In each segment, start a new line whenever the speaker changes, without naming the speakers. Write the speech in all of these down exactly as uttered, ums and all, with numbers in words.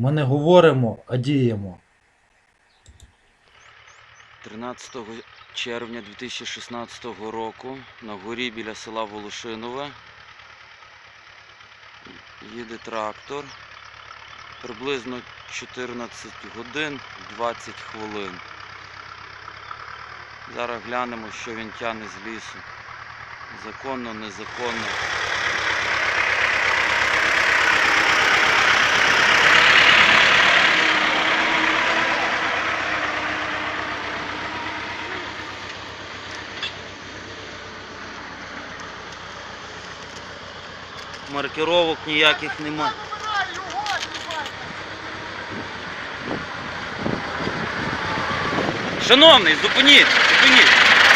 Ми не говоримо, а діємо.
тринадцятого червня дві тисячі шістнадцятого року на горі біля села Волошинове їде трактор. Приблизно чотирнадцять годин двадцять хвилин. Зараз глянемо, що він тягне з лісу. Законно, незаконно. Маркировок ніяких нема. Шановний, зупиніть, зупиніть.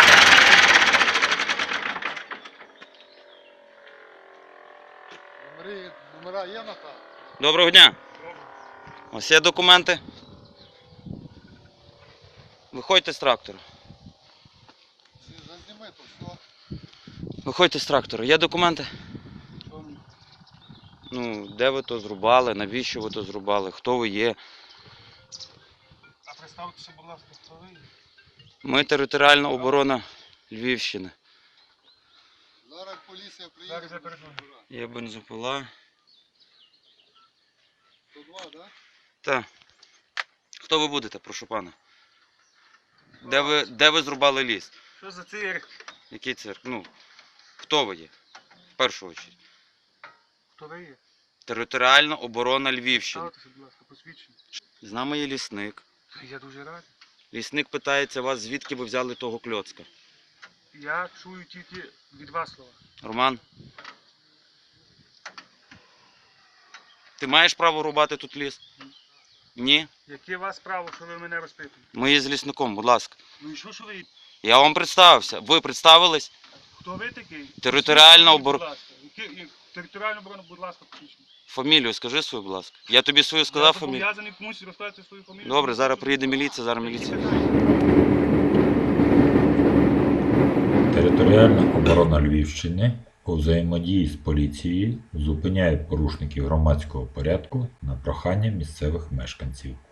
Номери, номера є на та?
Доброго дня. Ось є документи. Виходьте з трактора.
Зазніми то все.
Виходьте з трактора. Є документи? Ну, де ви то зрубали, навіщо ви то зрубали, хто ви є?
А представтеся, будь ласка, хто ви?
Ми територіальна оборона Львівщини.
Зараз поліція приїде. Зараз я
Є бензопила.
сто два, так? Да?
Так. Хто ви будете, прошу пана? Де ви, де ви зрубали ліс?
Що за цирк?
Який цирк? Ну, хто ви є? В першу чергу.
Хто ви є?
Територіальна оборона Львівщини.
Ставтеся, будь ласка, посвідчення.
З нами є лісник.
Я дуже радий.
Лісник питається вас, звідки ви взяли того кльоцка.
Я чую тільки від вас слова.
Роман? Ти маєш право рубати тут ліс? Ні?
Яке у вас право, що ви мене розпитуєте?
Ми є з лісником, будь ласка.
Ну і що, що ви?
Я вам представився. Ви представились?
Хто ви такий?
Територіальна
Посвідчення,
обор-
будь ласка. Яке- як- Територіальна оборона, будь ласка, посвідчення.
Фамілію скажи свою, будь ласка. Я тобі свою сказав
Я
фамілію.
зобов'язаний комусь розказати свою фамілію.
Добре, зараз приїде міліція, зараз міліція.
Територіальна оборона Львівщини у взаємодії з поліцією зупиняє порушників громадського порядку на прохання місцевих мешканців.